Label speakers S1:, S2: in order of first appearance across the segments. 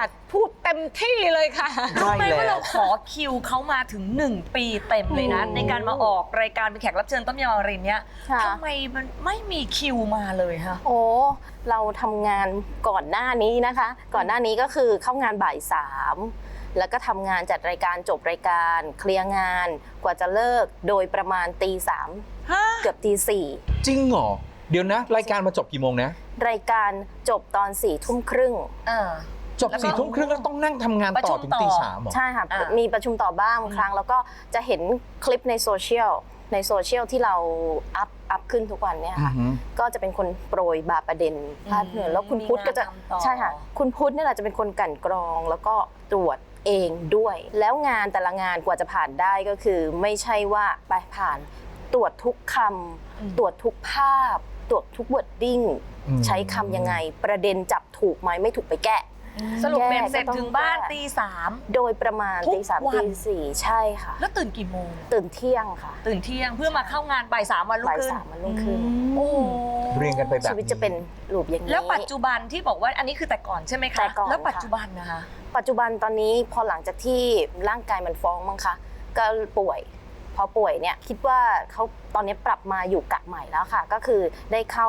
S1: าสพูดเต็มที่เลยค่ะ
S2: รู้ไหมว่าเราขอคิวเขามาถึง1 ปีเต็มเลยนะในการมาออกรายการเป็นแขกรับเชิญต้มยำอมรินทร์เนี่ยทำไมมันไม่มีคิวมาเลยคะ
S3: โอ้เราทำงานก่อนหน้านี้นะคะ ก่อนหน้านี้ก็คือเข้างานบ่าย 3แล้วก็ทำงานจัดรายการจบรายการเคลียร์งานกว่าจะเลิกโดยประมาณตี 3เกือบตี 4
S4: จริงเหรอเดี๋ยวนะรายการมาจบกี่โมงนะ
S3: รายการจบตอน4 ทุ่มครึ่ง
S4: จบ4 ทุ่มครึ่งแล้วต้องนั่งทำงานต่อถึงตี 3เหรอ
S3: ใช่ค่ะมีประชุมต่อบ้างครั้งแล้วก็จะเห็นคลิปในโซเชียลที่เราอัพขึ้นทุกวันเนี่ยค่ะก็จะเป็นคนโปรยบาประเด็นพาดเหนือแล้วคุณพุทธก็จะใช่ค่ะคุณพุทธนี่แหละจะเป็นคนกลั่นกรองแล้วก็ตรวจเองด้วยแล้วงานแต่ละงานกว่าจะผ่านได้ก็คือไม่ใช่ว่าไปผ่านตรวจทุกคำตรวจทุกภาพตรวจทุกวอร์ดดิ้งใช้คำยังไงประเด็นจับถูกไหมไม่ถูกไปแก้
S2: สรุปเป็นเสร็จถึงบ้านตี 3
S3: โดยประมาณตี 3 ตี 4ใช่ค่ะ
S2: แล้วตื่นกี่โมง
S3: ตื่นเที่ยงค่ะ
S2: ตื่นเที่ยงเพื่อมาเข้างานบ่าย 3วันรุ่งขึ้น
S3: โอ้
S4: เรียงกันไปแบบ
S3: ชีวิตจะเป็นรูปอย่างนี้
S2: แล้วปัจจุบันที่บอกว่าอันนี้คือแต่ก่อนใช่ไหมคะแล้วปัจจุบันนะคะ
S3: ปัจจุบันตอนนี้พอหลังจากที่ร่างกายมันฟ้องมั้งคะก็ป่วยพอป่วยเนี่ยคิดว่าเขาตอนนี้ปรับมาอยู่กะใหม่แล้วค่ะก็คือได้เข้า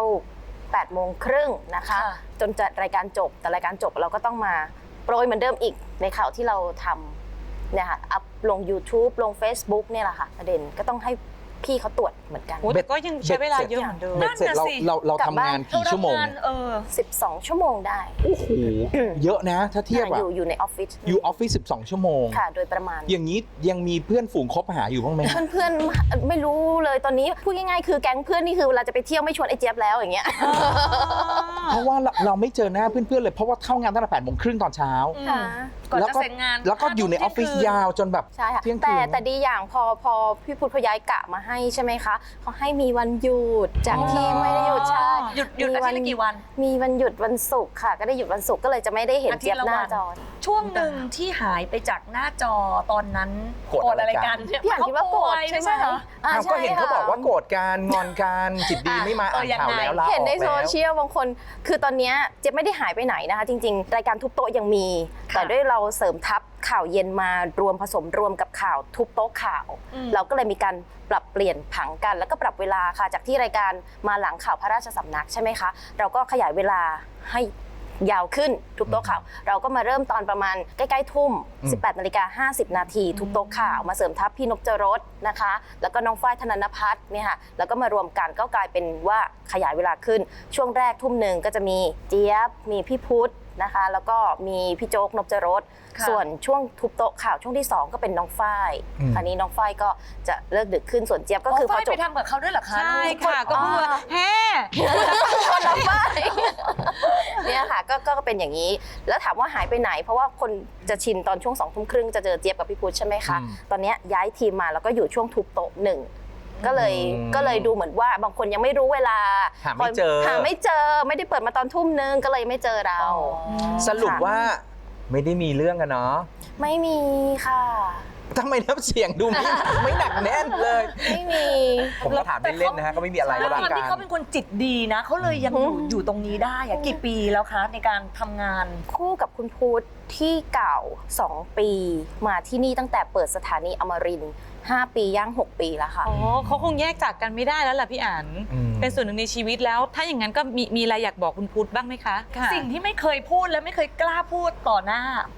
S3: 8:30นะคะจนจะรายการจบแต่รายการจบเราก็ต้องมาโปรยเหมือนเดิมอีกในข่าวที่เราทำเนี่ยค่ะอัพลง YouTube ลง Facebook เนี่ยแหละค่ะประเด็นก็ต้องให้พี่เขาตรวจเหมือนกัน
S1: แต่ก็ยังใช้เวลาเยอะเหมือนเดิม
S4: เบ็ดเสร็จเราทำงานกี่ชั่วโมง
S3: 12 ชั่วโมงได้
S4: โอ้โหเยอะนะถ้าเทียบอะ
S3: อยู่ในออฟฟิศ
S4: อยู่ออฟฟิศ12 ชั่วโมง
S3: ค่ะโดยประมาณ
S4: อย่างนี้ยังมีเพื่อนฝูงคบหาอยู่บ้างไหม
S3: เพื่อนไม่รู้เลยตอนนี้พูดง่ายๆคือแก๊งเพื่อนนี่คือเวลาจะไปเที่ยวไม่ชวนไอ้เจี๊ยบแล้วอย่างเงี้ย
S4: เพราะว่าเราไม่เจอหน้าเพื่อนๆเลยเพราะว่าเข้างานตั้งแต่8:30ตอนเช้า
S2: ก่อนจะเสร็จงาน
S4: แล้วก็อยู่ในออฟฟิศยาวจนแบบเที่ยงคืน
S3: แต่ดีอย่างพอพี่พุทธย้ายกะมาให้ใช่ไหมคะเขาให้มีวันหยุดจากที่ไม่ได้หยุดใช่
S2: หยุดอาทิตย์ละกี่วัน
S3: มีวันหยุดวันศุกร์ค่ะก็ได้หยุดวันศุกร์ก็เลยจะไม่ได้เห็นเจี๊ยบหน้าจอ
S2: ช่วงหนึ่งที่หายไปจากหน้าจอตอนนั้นโกรธอะไรกัน
S3: พี่อ่านคิดว่าโกรธใช่ไหม
S4: ก็เห็นเขาบอกว่าโกรธกันงอนกันจิตดีไม่มาอ่านข่าวแล้ว
S3: เห็นในโซเชียลบางคนคือตอนนี้เจี๊ยบไม่ได้หายไปไหนนะคะจริงๆรายการทุบโต๊ะยังมีแต่ด้วยเราเสริมทับข่าวเย็นมารวมผสมรวมกับข่าวทุบโต๊ะข่าวเราก็เลยมีการปรับเปลี่ยนผังกันแล้วก็ปรับเวลาค่ะจากที่รายการมาหลังข่าวพระราชสำนักใช่ไหมคะเราก็ขยายเวลาให้ยาวขึ้นทุบโต๊ะข่าวเราก็มาเริ่มตอนประมาณใกล้ๆทุ่ม 18:50 นาทีทุบโต๊ะข่าวมาเสริมทัพพี่นพจรสนะคะแล้วก็น้องฝ้ายธนนภัทรเนี่ยค่ะแล้วก็มารวมกันก็กลายเป็นว่าขยายเวลาขึ้นช่วงแรกทุ่มหนึ่งก็จะมีเจี๊ยบมีพี่พุทธนะคะแล้วก็มีพี่โจ๊กนพจรสส่วนช่วงทุบโต๊ะข่าวช่วงที่2ก็เป็นน้องฝ้ายคราวนี้น้องฝ้ายก็จะเลิกดึกขึ้นส่วนเจี๊ยบก็คือ
S2: พอจบไปทำกับเขาด้วยเหรอคะ
S1: ใช่ค่ะก็พูดว่าแฮ่
S3: คนละฝ้ายเนี่ยค่ะก็เป็นอย่างนี้แล้วถามว่าหายไปไหนเพราะว่าคนจะชินตอนช่วง20:30จะเจอเจี๊ยบกับพี่พุทธใช่ไหมคะตอนนี้ย้ายทีมมาแล้วก็อยู่ช่วงทุบโต๊ะ1ก็เลยดูเหมือนว่าบางคนยังไม่รู้เวลา
S4: หาไม่เจอ
S3: ไม่ได้เปิดมาตอนทุ่มนึงก็เลยไม่เจอเรา
S4: สรุปว่าไม่ได้มีเรื่องกันเนาะ
S3: ไม่มีค่ะ
S4: ทำไมน้ำเสียงดูไม่หนักแน่นเลย
S3: ไม่มี
S4: ผมก็ถามเล่นๆนะฮะก็ไม่มีอะไร
S2: แล้วตอนที่เขาเป็นคนจิตดีนะเขาเลยยังอยู่ตรงนี้ได้อะกี่ปีแล้วคะในการทำงาน
S3: คู่กับคุณพุทธที่เก่า2 ปีมาที่นี่ตั้งแต่เปิดสถานีอมรินทร์5 ปีย่าง6 ปีแล้วค่ะ
S1: อ๋อเขาคงแยกจากกันไม่ได้แล้วล่ะพี่อั๋นเป็นส่วนหนึ่งในชีวิตแล้วถ้าอย่างนั้นก็มีอะไรอยากบอกคุณพุทธบ้างไหมคะ
S2: สิ่งที่ไม่เคยพูดและไม่เคยกล้าพูดต่อหน้า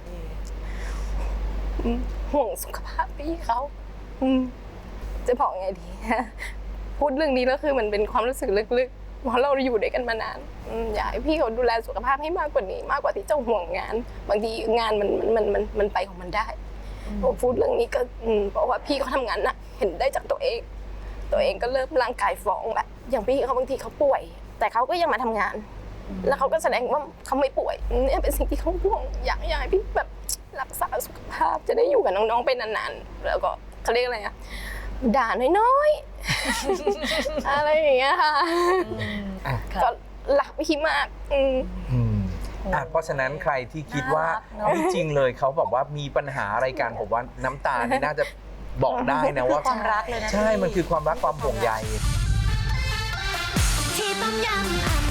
S3: ห่วงสุขภาพพี่เขาจะบอกไงดีพูดเรื่องนี้แล้วคือมันเป็นความรู้สึกลึกๆเพราะเราอยู่ด้วยกันมานานอยากให้พี่เขาดูแลสุขภาพให้มากกว่านี้มากกว่าที่จะห่วงงานบางทีงานมันไปของมันได้พูดเรื่องนี้ก็เพราะว่าพี่เขาทำงานหนักเห็นได้จากตัวเองก็เริ่มร่างกายฟ้องแบบอย่างพี่เขาบางทีเขาป่วยแต่เขาก็ยังมาทำงานแล้วเขาก็แสดงว่าเขาไม่ป่วยนี่เป็นสิ่งที่เขาห่วงอยากให้พี่แบบรักษาสุขภาพจะได้อยู่กับน้องๆไปนานๆแล้วก็เขาเรียกอะไรด่าน้อยๆอะไรอย่างเงี้ยค่ะก็รักพี่มาก
S4: เพราะฉะนั้นใครที่คิดว่าไม่จริงเลยเขาบอกว่ามีปัญหาอะไรกันผมว่าน้ำตานี่น่าจะบอกได้นะว่า
S2: ความรักเลยนะ
S4: ใช่มันคือความรักความห่วงใย
S5: ที่ต้มยำ